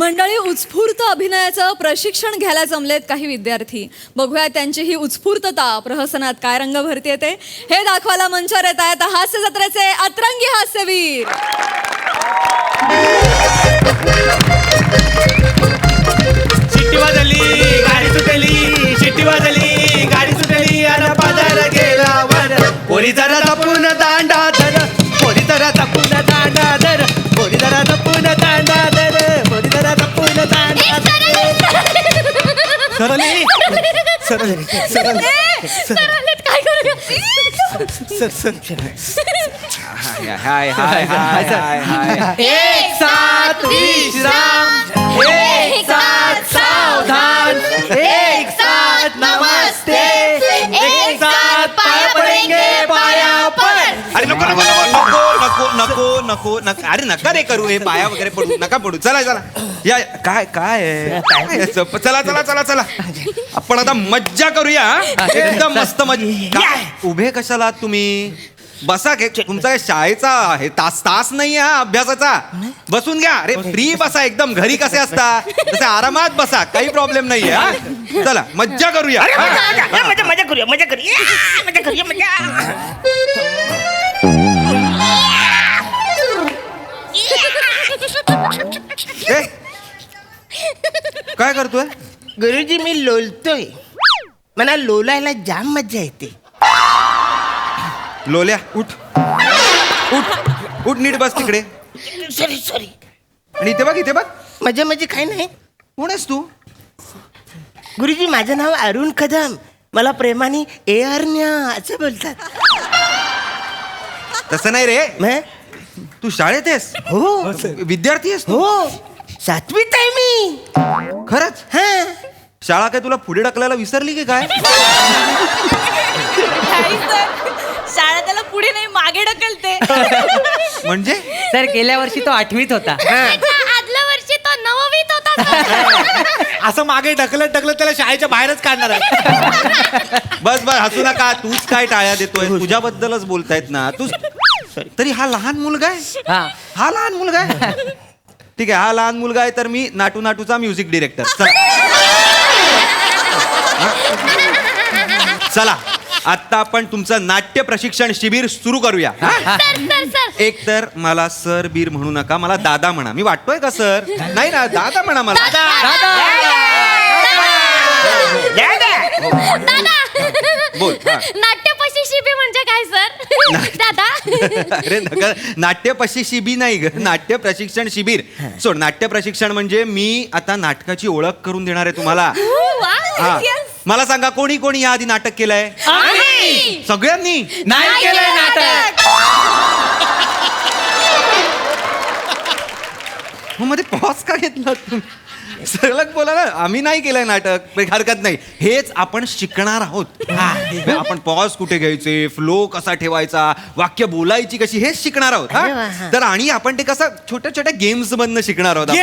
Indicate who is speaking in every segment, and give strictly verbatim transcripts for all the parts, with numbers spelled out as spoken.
Speaker 1: मंडळी, उत्स्फूर्त अभिनयाचं प्रशिक्षण घ्यायला जमलेत काही विद्यार्थी. बघूया त्यांची ही उत्स्फूर्तता प्रहसनात काय रंग भरती येते हे दाखवायला मंचावर येत आहेत हास्य जत्रेचे अतरंगी हास्यवीर.
Speaker 2: शिट्टी वाजली गाडी सुटली, शिट्टी वाजली गाडी सुटली, अन पादर गेला वर. पोरी जरा जपून दांडा धर, पोरी जरा जपून दांडा धर, पोरी जरा जपून दांडा धर, पोरी जरा जपून दांडा धर. सरली सरली सरली
Speaker 1: काय करू?
Speaker 2: Sir sir hi hi hi hi hi. एक साथ विश्राम, एक साथ सावधान, एक साथ नमस्ते, एक साथ पाया पडेंगे पाया पड. अरे नको नको नको नको नको नको नको अरे नका रे करू हे पाया वगैरे पडू नका पडू. चला चला या काय काय आहे? चला चला चला चला आपण आता मज्जा करूया. एकदम मस्त मज्जा. उभे कशाला तुम्ही? बसा के तुमचा काय शाळेचा आहे तास तास नाही हा अभ्यासाचा. बसून घ्या. अरे फ्री बसा एकदम. घरी कसे असता तसे आरामात बसा. काही प्रॉब्लेम नाही आहे. चला मज्जा करूया.
Speaker 3: मजा मजा करूया मजा करूया मजा करूया मजा.
Speaker 2: ए, काय करतोय?
Speaker 3: गुरुजी मी लोलतोय. मला लोलायला जाम मजा येते.
Speaker 2: लोल्या उठ उठ उठ नीट बस तिकडे.
Speaker 3: Sorry sorry.
Speaker 2: आणि इथे बघ इथे बघ.
Speaker 3: मजा म्हणजे काय नाही.
Speaker 2: कोण आहेस तू?
Speaker 3: गुरुजी माझं नाव अरुण कदम. मला प्रेमाने ए अरण्या असं बोलतात.
Speaker 2: तसं नाही रे.
Speaker 3: मग?
Speaker 2: तू शाळेत आहेस?
Speaker 3: हो
Speaker 2: विद्यार्थी आहेस तू?
Speaker 3: हो सातवीत आहे मी.
Speaker 2: खरंच?
Speaker 3: हा
Speaker 2: शाळा काय तुला पुढे ढकलायला विसरली की काय?
Speaker 1: शाळा त्याला पुढे नाही मागे ढकलते.
Speaker 2: म्हणजे
Speaker 4: सर गेल्या वर्षी तो आठवीत होता.
Speaker 1: आदल्या वर्षी तो नववीत होता.
Speaker 5: असं मागे ढकलत ढकलत त्याला शाळेच्या बाहेरच काढणार आहे.
Speaker 2: बस बस हसू नका. तूच काय टाळ्या देतोय? तुझ्याबद्दलच बोलतायत ना. तू तरी हा लहान मुलगा आहे.
Speaker 4: हा
Speaker 2: हा लहान मुलगा आहे. ठीक आहे हा लहान मुलगा आहे तर मी नाटू नाटूचा म्युझिक डिरेक्टर. चला चला आता आपण तुमचं नाट्य प्रशिक्षण शिबिर सुरू करूया. एक तर मला सर बीर म्हणू नका. मला दादा म्हणा. मी वाटतोय का सर? नाही ना दादा म्हणा मला. बोल. हा.
Speaker 1: नाट्यपशी शिबी म्हणजे काय सर? दादा
Speaker 2: अरे नका नाट्य शिबी नाही ग. नाट्य प्रशिक्षण शिबिर. सोड. नाट्य प्रशिक्षण म्हणजे मी आता नाटकाची ओळख करून देणार आहे तुम्हाला. हा. मला सांगा कोणी कोणी या आधी नाटक केलंय? सगळ्यांनी
Speaker 4: नाही केलंय नाटक.
Speaker 2: मग मध्ये पॉज का घेतला तुम्ही? सलग बोला ना. आम्ही नाही केलंय नाटक. काही हरकत नाही. हेच आपण शिकणार आहोत. आपण पॉज कुठे घ्यायचे, फ्लो कसा ठेवायचा, वाक्य बोलायची कशी, हेच शिकणार आहोत. हा? तर आणि आपण ते कसं छोट्या छोट्या गेम्स मधनं शिकणार आहोत.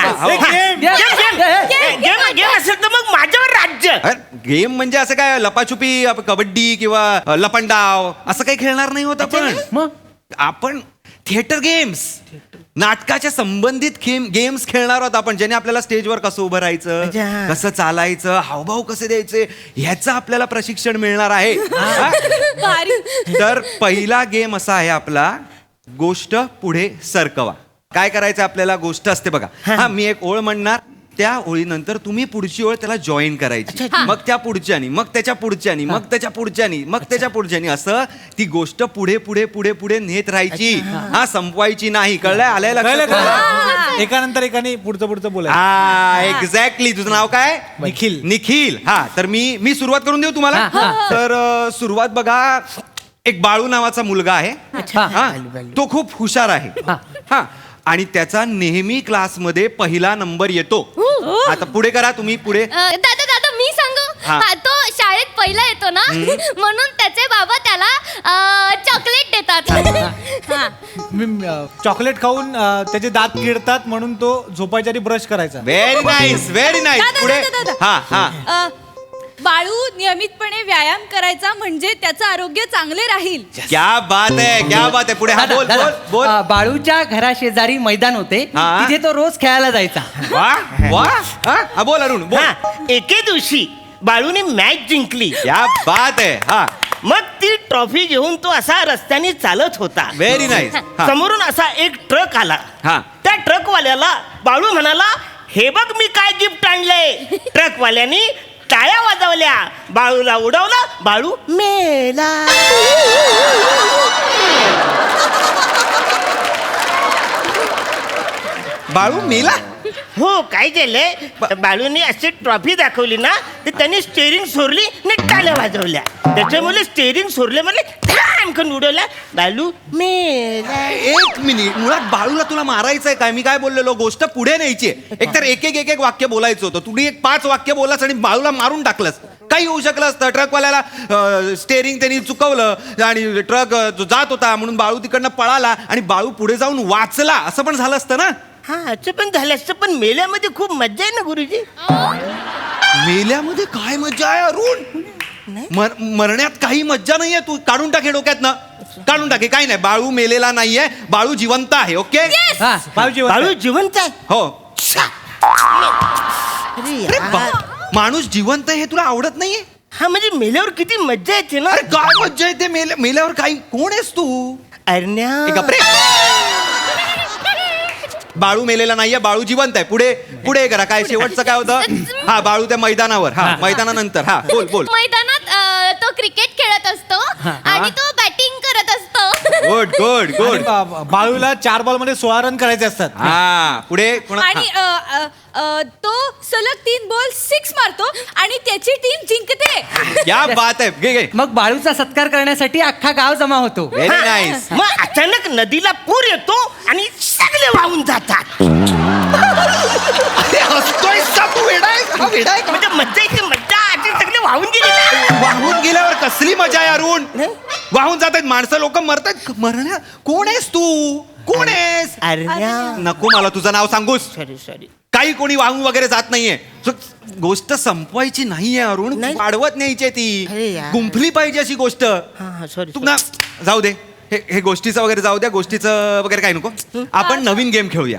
Speaker 3: गेम असेल तर मग माझ्यावर राज्य.
Speaker 2: गेम म्हणजे असं काय लपाछुपी, कबड्डी किंवा लपंडाव असं काही खेळणार नाही होत आपण.
Speaker 4: मग
Speaker 2: आपण थिएटर गेम्स, नाटकाच्या संबंधित गेम्स खेळणार आहोत आपण. ज्याने आपल्याला स्टेजवर कसं उभं राहायचं, कसं चालायचं, हावभाव कसे द्यायचे ह्याचं आपल्याला प्रशिक्षण मिळणार आहे. तर पहिला गेम असा आहे आपला गोष्ट पुढे सरकवा. काय करायचं आपल्याला? गोष्ट असते बघा. हा मी एक ओळ म्हणणार. त्या ओळीनंतर तुम्ही पुढची ओळ त्याला जॉईन करायची. मग त्या पुढच्यानी, मग त्याच्या पुढच्यानी, मग त्याच्या पुढच्यानी, मग त्याच्या पुढच्यानी असं ती गोष्ट पुढे पुढे पुढे पुढे नेत राहायची. हा संपवायची नाही. कळलंय? आलंय लक्षात?
Speaker 5: एकानंतर एकाने पुढचं पुढचं बोलायचं.
Speaker 2: हा एक्झॅक्टली. तुझं नाव काय?
Speaker 5: निखिल.
Speaker 2: निखिल. हा तर मी मी सुरुवात करून देऊ तुम्हाला. तर अ, सुरुवात बघा. एक बाळू नावाचा मुलगा आहे. हा तो खूप हुशार आहे. हा आणि त्याचा नेहमी क्लासमध्ये पहिला नंबर येतो. आता पुढे करा तुम्ही. पुढे.
Speaker 6: दादा दादा मी सांगू.
Speaker 2: हा.
Speaker 6: हा, तो शाळेत पहिला येतो ना म्हणून त्याचे बाबा त्याला चॉकलेट देतात.
Speaker 5: मी, अं, चॉकलेट खाऊन अं, त्याचे दात किडतात म्हणून तो झोपायच्या आधी ब्रश करायचा.
Speaker 2: Very nice very nice.
Speaker 1: दादा,
Speaker 2: पुढे.
Speaker 1: दादा, दादा.
Speaker 2: हा हा
Speaker 1: अ,
Speaker 7: बाळू नियमितपणे व्यायाम करायचा म्हणजे त्याचं आरोग्य चांगले राहील.
Speaker 5: क्या बात आहे, क्या बात आहे. पुढे हा
Speaker 4: दादा,
Speaker 5: बोल
Speaker 4: दादा,
Speaker 5: बोल बोल.
Speaker 4: अ, बाळूच्या घराशेजारी मैदान होते
Speaker 5: हा.
Speaker 4: तिथे तो रोज खेळायला जायचा.
Speaker 5: वा वा हा हा, बोल अरुण बोल.
Speaker 3: हा एके दिवशी बाळूने मॅच जिंकली.
Speaker 5: क्या बात आहे. हा
Speaker 3: मग ती ट्रॉफी घेऊन तो असा रस्त्याने चालत होता.
Speaker 5: Very nice.
Speaker 3: समोरून असा एक ट्रक आला.
Speaker 5: हा.
Speaker 3: त्या ट्रकवाल्याला बाळू म्हणाला, हे बघ मी काय गिफ्ट आणलंय. ट्रकवाल्यानी टाळ्या वाजवल्या, बाळूला उडवलं, बाळू मेला.
Speaker 5: बाळू मेला.
Speaker 3: हो काय झालंय, बाळूने अशी ट्रॉफी दाखवली ना, तर त्याने स्टेअरिंग सोडली आणि टाळ्या वाजवल्या. त्याच्यामुळे स्टेअरिंग सोडले म्हणजे धडामकन उडवल्या, बाळू मेला.
Speaker 5: एक मिनिट, मुळात बाळूला तुला मारायचंय काय? मी काय बोललेलो, गोष्ट पुढे न्यायची. एकतर एक एक एक एक वाक्य बोलायचं होतं, तुम्ही एक पाच वाक्य बोललास आणि बाळूला मारून टाकलंस. काही होऊ शकलं असतं. ट्रकवाल्याला स्टेअरिंग त्यांनी चुकवलं आणि ट्रक जात होता म्हणून बाळू तिकडनं पळाला आणि बाळू पुढे जाऊन वाचला, असं पण झालं असतं ना.
Speaker 3: हा असं पण झालं असतं, पण मेल्यामध्ये खूप मज्जा आहे ना गुरुजी.
Speaker 5: मेल्यामध्ये काय मज्जा आहे अरुण? मर- मरण्यात काही मज्जा नाहीये. तू काढून टाके डोक्यातनं, काढून टाके. काही नाही, बाळू मेलेला नाहीये, बाळू जिवंत आहे. ओके.
Speaker 4: हा, बाळूजी
Speaker 3: बाळू जिवंत आहे.
Speaker 5: हो.
Speaker 3: अरे
Speaker 5: अरे
Speaker 3: यार.
Speaker 5: बा- माणूस जिवंत आहे हे तुला आवडत नाहीये?
Speaker 3: हा म्हणजे मेल्यावर किती मज्जा येते ना.
Speaker 5: अरे काय मज्जा येते मेल्या मेल्यावर? काही कोण आहेस तू?
Speaker 3: अरण्या.
Speaker 5: ए, गप्रे. बाळू मेलेला नाहीये, बाळू जिवंत आहे. पुढे पुढे करा. काय शेवटचं काय होतं? हा, बाळू त्या मैदानावर. हा, मैदानानंतर. हा, बोल बोल.
Speaker 6: मैदानात अ, तो क्रिकेट खेळत असतो आणि तो बॅटिंग करत असतो.
Speaker 5: Good good good.
Speaker 2: बा- बाळूला चार बॉल मध्ये सोळा रन करायचे असतात.
Speaker 5: हा, पुढे कोणा-
Speaker 7: आणि अ, अ, अ, तो सलग तीन बॉल सिक्स मारतो आणि त्याची टीम जिंकते.
Speaker 5: हा. क्या बात आहे. घे घे.
Speaker 4: मग बाळूचा सत्कार करण्यासाठी अख्खा गाव जमा होतो.
Speaker 5: व्हेरी
Speaker 3: हा.
Speaker 5: नाईस.
Speaker 3: मग अचानक नदीला पूर येतो आणि सगळे वाहून जातात.
Speaker 5: हसतोय तू? वेडा आहे? हा वेडा आहे का?
Speaker 3: म्हणजे मज्जा येते, मज्जा. आणि सगळे वाहून गेले ना.
Speaker 5: वाहून गेल्यावर कसली मजा आहे अरुण? वाहून जात आहेत माणसं, लोक मरतात. मरण्या कोण आहेस तू? कोण आहेस?
Speaker 3: अरण्या.
Speaker 5: नको मला तुझं नाव सांगूस.
Speaker 3: Sorry sorry.
Speaker 5: काही कोणी वाहून वगैरे जात नाहीये. सो, गोष्ट संपवायची नाहीये अरुण,
Speaker 3: नाही.
Speaker 5: वाढवत न्यायची
Speaker 3: अरे
Speaker 5: ती.
Speaker 3: यार.
Speaker 5: गुंफली पाहिजे अशी गोष्ट.
Speaker 3: हा हा सॉरी.
Speaker 5: तू ना जाऊ दे. हे हे गोष्टीचं वगैरे जाऊ द्या. गोष्टीचं वगैरे काही नको. आपण नवीन गेम खेळूया.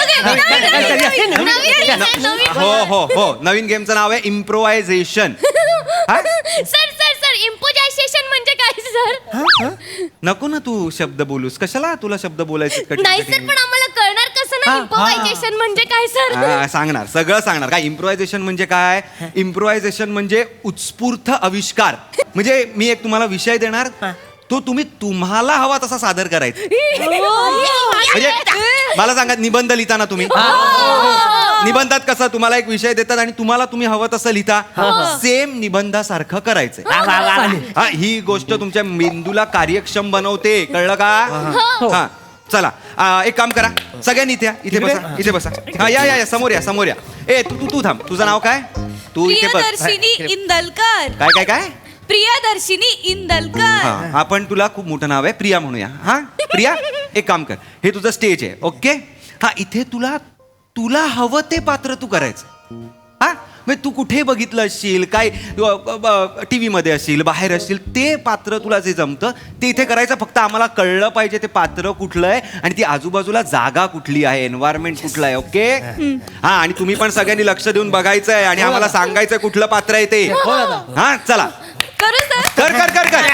Speaker 5: हो हो हो, नवीन गेमचं नाव आहे इम्प्रोवायझेशन.
Speaker 6: सर सर सर इम्पोजायझेशन म्हणजे काय सर?
Speaker 5: नको ना तू शब्द बोलूस. कशाला तुला शब्द बोलायचे कठीण
Speaker 6: नाही सर,
Speaker 5: कठीण?
Speaker 6: पण आम्हाला कळणार कसं ना इम्पोजायझेशन म्हणजे काय सर?
Speaker 5: हा, सांगणार, सगळं सांगणार. काय इम्प्रोव्हायझेशन म्हणजे काय? इम्प्रोव्हायझेशन म्हणजे उत्स्फूर्त आविष्कार. म्हणजे मी एक तुम्हाला विषय देणार, तो तुम्ही तुम्हाला हवा तसा सादर करायचा. म्हणजे मला सांगा, निबंध लिहिता ना तुम्ही? निबंधात कसं तुम्हाला एक विषय देतात आणि तुम्हाला तुम्ही हवं तसं लिहिता, सेम निबंधासारखं करायचंय.
Speaker 3: वा, वा, वा, वा.
Speaker 5: हा, ही गोष्ट तुमच्या मेंदूला कार्यक्षम बनवते. कळलं का? हा, चला आ, एक काम करा, सगळ्यांनी इथे या. इथे बसा, इथे बसा. हा, या या या, समोर या, समोर या. ए तू तू तू थांब. तुझं नाव काय? तू इथे बस.
Speaker 7: प्रियदर्शिनी इंदलकर.
Speaker 5: काय काय काय?
Speaker 7: प्रियदर्शिनी इंदलकर.
Speaker 5: हा, आपण तुला खूप मोठं नाव आहे, प्रिया म्हणूया. हा प्रिया, एक काम कर, हे तुझं स्टेज आहे. ओके. हा, इथे तुला तुला हवं ते पात्र तू करायचं. हा, म्हणजे तू कुठे बघितलं असशील, काय टीव्ही मध्ये असशील, बाहेर असशील, ते पात्र तुला जे जमतं ते इथे करायचं. फक्त आम्हाला कळलं पाहिजे ते पात्र कुठलं आहे आणि ती आजूबाजूला जागा कुठली आहे, एन्व्हायरमेंट कुठलं आहे. ओके. हा, आणि तुम्ही पण सगळ्यांनी लक्ष देऊन बघायचं आहे आणि आम्हाला सांगायचं कुठलं पात्र आहे ते. हा, चला
Speaker 7: करू सर.
Speaker 5: कर कर कर कर.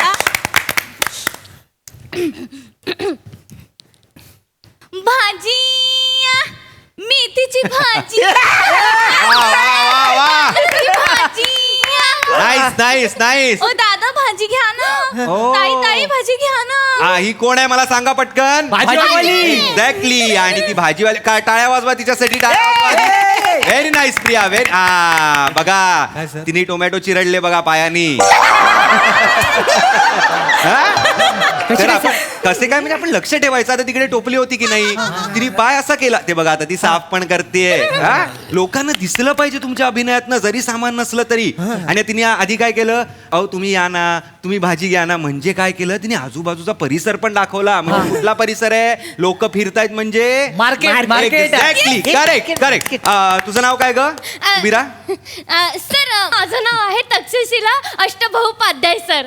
Speaker 7: भाजी, मेथीची भाजी.
Speaker 5: वा वा वा.
Speaker 7: मेथीची भाजी.
Speaker 5: Nice nice nice.
Speaker 7: ओ दादा भाजी घ्या ना.
Speaker 5: हो.
Speaker 7: ताई ताई भाजी घ्या ना.
Speaker 5: हा, ही कोण आहे मला सांगा पटकन.
Speaker 4: भाजीवाली.
Speaker 5: एक्झॅक्टली. आणि ती भाजीवाली काय, टाळ्या वाजवा तिच्यासाठी, टाळ्या वाजवा. Very nice Priya. व्हेरी. हा, बघा
Speaker 2: काय sir?
Speaker 5: तिने टोमॅटो चिरडले बघा पायानी. हा? तर आपण- कसे काय म्हणजे आपण लक्ष ठेवायचं. आता तिकडे टोपली होती की नाही, तिने पाय असा केला, ते बघा आता ती साफ पण करतेय. हा? लोकांना दिसलं पाहिजे तुमच्या अभिनयातनं, जरी सामान नसलं तरी. आणि तिने आधी काय केलं, अहो तुम्ही या ना, तुम्ही भाजी घ्या ना. म्हणजे काय केलं तिने, आजूबाजूचा परिसर पण दाखवला. म्हणजे कुठला परिसर आहे, लोक फिरतायत म्हणजे
Speaker 4: market market
Speaker 5: exactly. Correct correct. तुझं नाव काय ग बीरा?
Speaker 6: अ, सर अ, माझं नाव आहे तक्षशिला अष्टबहुपाध्याय सर.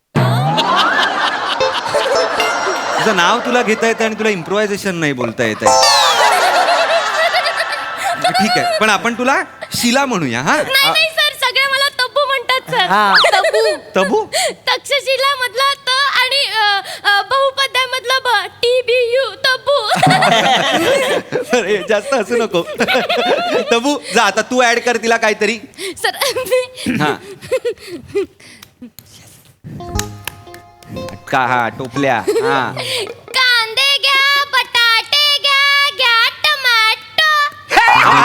Speaker 5: तुझं नाव तुला घेता येतं आणि तुला इम्प्रोव्हायझेशन नाही बोलता येत आहे. ठीक आहे, पण आपण तुला शिला म्हणूया. हा
Speaker 6: नाही नाही सर, सगळे मला तब्बू म्हणतात सर.
Speaker 4: हा.
Speaker 6: तब्बू
Speaker 5: तबू.
Speaker 6: तक्षशिला मधला त आणि अ, अ, बहुपद्या मधला ब टी बी यू तब्बू.
Speaker 5: अरे जास्त हसू नको. तबू जा आता, तू ऍड कर तिला काहीतरी.
Speaker 6: सर मी
Speaker 5: हा का हा टोपल्या. हा
Speaker 6: कांदे घ्या, बटाटे घ्या, घ्या टमाटो.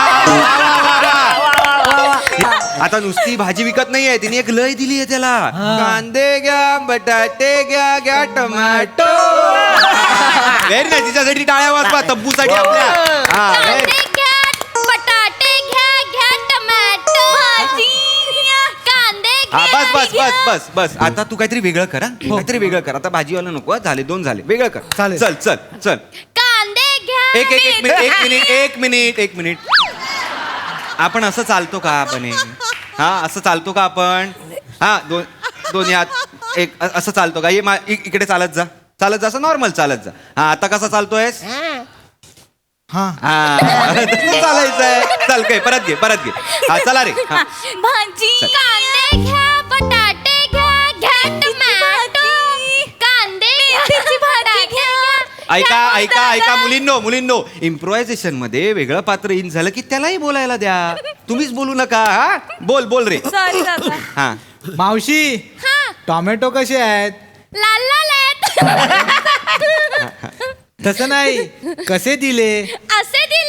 Speaker 5: आता नुसती भाजी विकत नाहीये, तिने एक लय दिली आहे त्याला. कांदे घ्या, बटाटे घ्या, घ्या टोमॅटो. व्हेरी नाही, तिच्यासाठी टाळ्या वाजवा तब्बूसाठी आपल्या. हा
Speaker 6: कांदे
Speaker 5: very-
Speaker 6: घ्या, बटाटे घ्या, घ्या टमाटो. भाजी घ्या, कांदे
Speaker 5: हा
Speaker 6: घ्या,
Speaker 5: बस बस
Speaker 6: घ्या.
Speaker 5: बस बस बस आता तू काहीतरी वेगळं कर. हा काहीतरी वेगळं कर. आता भाजीवाला नको हा. झाले दोन झाले, वेगळं कर.
Speaker 2: चालेल.
Speaker 5: चल चल चल.
Speaker 6: कांदे घ्या.
Speaker 5: एक एक एक मिनिट एक मिनिट एक मिनिट एक मिनिट आपण असं चालतो का आपण हे? हा असं चालतो का आपण? हा दोन दोन्ही हात एक अ- असं चालतो का? ये मा- इ- इकडे चालत जा, चालत जा, असं नॉर्मल चालत जा. हा आता कसा चालतोयस?
Speaker 2: हा
Speaker 5: हा तसं चालायचंय. चल काय परत घे परत घे. हा चला रे. हा
Speaker 6: भाजी. कांदे घ्या, बटाटे घ्या, घ्या टमाटो. कांदे मेथीची भाजी घ्या.
Speaker 5: ऐका ऐका ऐका मुलींनो मुलींनो, इम्प्रोव्हायझेशन मध्ये वेगळं पात्र इन झालं की त्यालाही बोलायला द्या. तुम्हीच बोलू नका. हा बोल बोल रे.
Speaker 7: सॉरी दादा.
Speaker 5: हा
Speaker 2: मावशी,
Speaker 6: हा,
Speaker 2: टोमॅटो कसे आहेत?
Speaker 6: लाल लाल आहेत.
Speaker 2: तसं नाही, कसे दिले?
Speaker 6: असे दिले.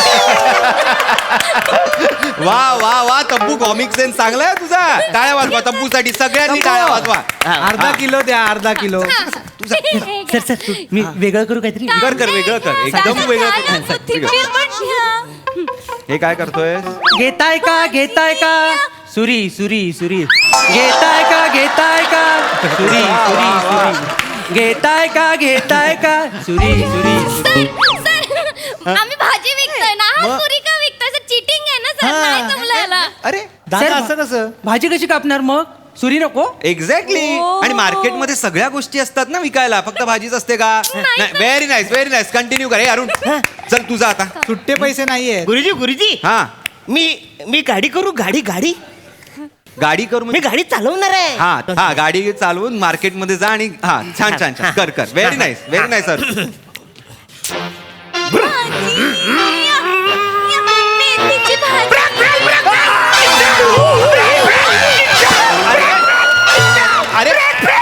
Speaker 5: वा वा वा तब्बू, कॉमिक सेन्स चांगला आहे तुझा. टाळ्या वाजवा तब्बूसाठी, सगळ्यांनी टाळ्या वाजवा.
Speaker 2: अर्धा किलो द्या, अर्धा किलो.
Speaker 4: सर सर तू- मी वेगळं करू काहीतरी.
Speaker 5: कर कर वेगळं कर, एकदम वेगळं कर.
Speaker 6: वेगळं.
Speaker 5: हे काय करतोय?
Speaker 4: घेताय का घेताय का सुरी सुरी सुरी घेताय का घेताय का सुरी सुरी सुरी घेताय का घेताय का सुरी सुरी.
Speaker 6: सर सर आम्ही भाजी विकतोय ना, हा सुरी का विकतोय? सर चिटिंग आहे ना सर, नाही जमलं याला.
Speaker 5: अरे
Speaker 2: दादा
Speaker 4: सर,
Speaker 2: असं कसं?
Speaker 4: भाजी कशी कापणार मग? सुरी नको?
Speaker 5: एक्झॅक्टली. आणि मार्केटमध्ये सगळ्या गोष्टी असतात ना विकायला, फक्त भाजीच असते का? नाही. Very nice very nice. Continue कर. हे अरुण चल तुझा आता.
Speaker 2: सुट्टे पैसे नाहीये.
Speaker 3: गुरुजी गुरुजी
Speaker 5: हा
Speaker 3: मी मी गाडी करू, गाडी गाडी
Speaker 5: गाडी करू
Speaker 3: मी
Speaker 5: म्हणजे-
Speaker 3: गाडी चालवणार आहे.
Speaker 5: हा हा गाडी चालवून मार्केटमध्ये जा आणि हा छान छान छान कर कर. Very nice very nice sir.
Speaker 6: मेथीची भाजी.
Speaker 5: अरे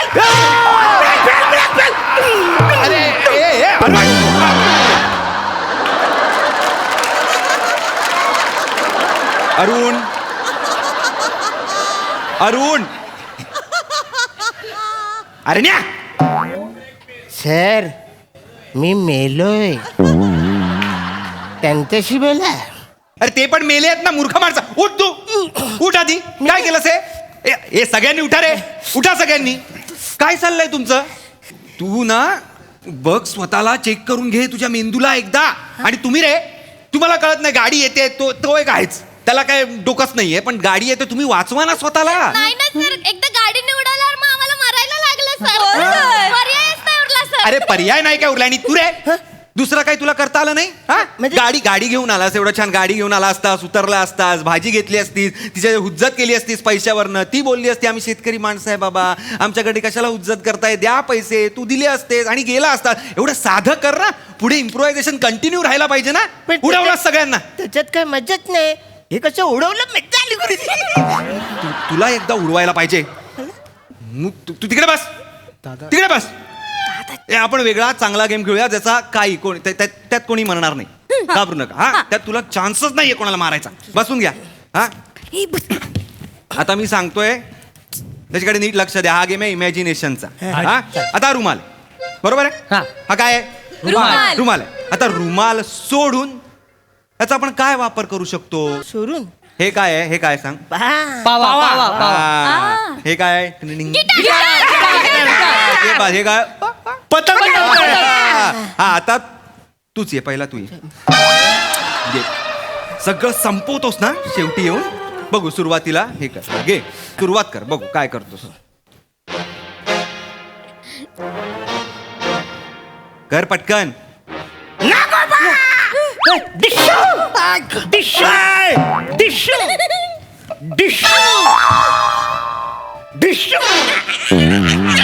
Speaker 5: अरे ए, ए, अरुण. अरुण अरुण अरे न्या.
Speaker 3: सर मी मेलोय, त्यांच्याशी बोला.
Speaker 5: अरे ते पण मेले आहेत ना मूर्ख माणसं. उठ तू उठ आधी. काय केलंस हे? ए, हे सगळ्यांनी उठा रे, उठा सगळ्यांनी. काय चाललंय तुमचं? तू ना बघ, स्वतःला चेक करून घे तुझ्या मेंदूला एकदा. आणि तुम्ही रे, तुम्हाला कळत नाही गाडी येते तो तो एक आहेच, त्याला काय डोकंच नाहीये, पण गाडी येते तुम्ही वाचवा ना स्वतःला.
Speaker 6: नाही ना सर, एकदा गाडी निवडाल्यावर मग आम्हाला मरायला लागलं सर.
Speaker 7: हो, सर.
Speaker 6: पर्यायच नाही उरला सर.
Speaker 5: अरे पर्याय नाही काय उरला. आणि तू रे दुसरं काही तुला करता आलं नाही? हा
Speaker 3: म्हणजे-
Speaker 5: गाडी गाडी घेऊन आलास, एवढं छान गाडी घेऊन आला असतास, उतरला असतास, भाजी घेतली असतीस, तिच्या हुज्जत केली असतीस पैशावरनं. ती बोलली असती आम्ही शेतकरी माणसं आहे बाबा, आमच्याकडे कशाला हुज्जत करताय, द्या पैसे. तू दिले असतेस आणि गेला असतास. एवढं साधं कर ना. पुढे इम्प्रोव्हायझेशन कंटिन्यू राहायला पाहिजे ना.
Speaker 3: पण
Speaker 5: उडवला सगळ्यांना.
Speaker 3: त्याच्यात काय मजाच नाही. हे कसं उडवलं मजा आली गुरुजी.
Speaker 5: तू- तुला एकदा उडवायला पाहिजे. मग तू तू तिकडे बस, तिकडे बस. ए, आपण वेगळा चांगला गेम खेळूया ज्याचा काही कोणी त्या- त्या- त्यात कोणी म्हणणार नाही. घाबरू नका. हा त्यात तुला चान्सच नाहीये कोणाला मारायचा. बसून घ्या. हा आता मी सांगतोय त्याच्याकडे नीट लक्ष द्या. हा गेम आहे इमॅजिनेशनचा. हा आता रुमाल बरोबर आहे
Speaker 4: हा.
Speaker 5: हा काय आहे
Speaker 7: रुमाल.
Speaker 5: रुमाल आहे. आता रुमाल सोडून याचा आपण काय वापर करू शकतो?
Speaker 3: सोडून
Speaker 5: हे काय आहे? हे काय सांग?
Speaker 3: बा.
Speaker 4: पावा पावा पावा
Speaker 5: हा. हे काय आहे? टिंग. हे बा- हे काय
Speaker 3: पतंग
Speaker 5: हा आता तूच ये पहिला तू ये ये. सगळं संपवतोस ना शेवटी येऊन बघू. सुरुवातीला हे कर घे सुरुवात कर बघू काय करतोस. कर पटकन.
Speaker 3: डिशू डिशू डिशू डिशू डिशू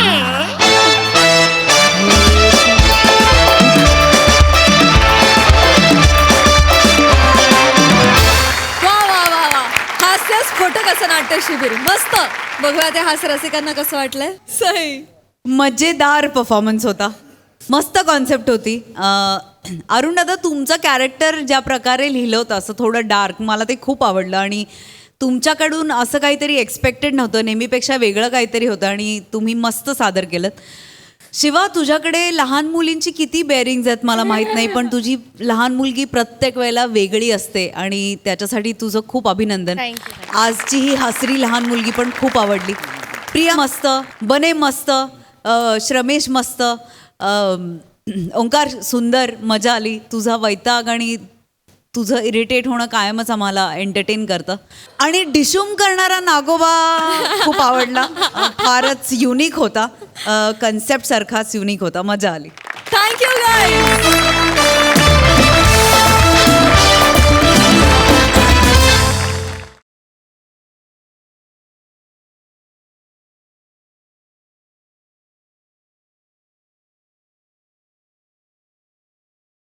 Speaker 1: वा वा वा वा हास्य स्फोटक असं नाट्य शिबिर मस्त. बघूया ते हास्य रसिकांना कसं वाटलंय. सही.
Speaker 8: मजेदार परफॉर्मन्स होता. मस्त कॉन्सेप्ट होती. अरुण दादा तुमचं कॅरेक्टर ज्या प्रकारे लिहिलं होतं असं थोडं डार्क मला ते खूप आवडलं आणि तुमच्याकडून असं काहीतरी एक्सपेक्टेड नव्हतं. नेहमीपेक्षा वेगळं काहीतरी होतं आणि तुम्ही मस्त सादर केलं. शिवा तुझ्याकडे लहान मुलींची किती बेअरिंग्ज आहेत मला माहीत नाही पण तुझी लहान मुलगी प्रत्येक वेळेला वेगळी असते आणि त्याच्यासाठी तुझं खूप अभिनंदन.
Speaker 6: Thank you, thank
Speaker 8: आजची ही हसरी लहान मुलगी पण खूप आवडली. प्रिया मस्त, बने मस्त, अ, श्रमेश मस्त, अ, ओंकार सुंदर, मजा आली. तुझा वैताग आणि तुझं इरिटेट होणं कायमच आम्हाला एंटरटेन करतं. आणि डिशूम करणारा नागोबा खूप आवडला. अ, फारच युनिक होता. कन्सेप्ट सारखाच युनिक होता. मजा आली.
Speaker 1: Thank you guys.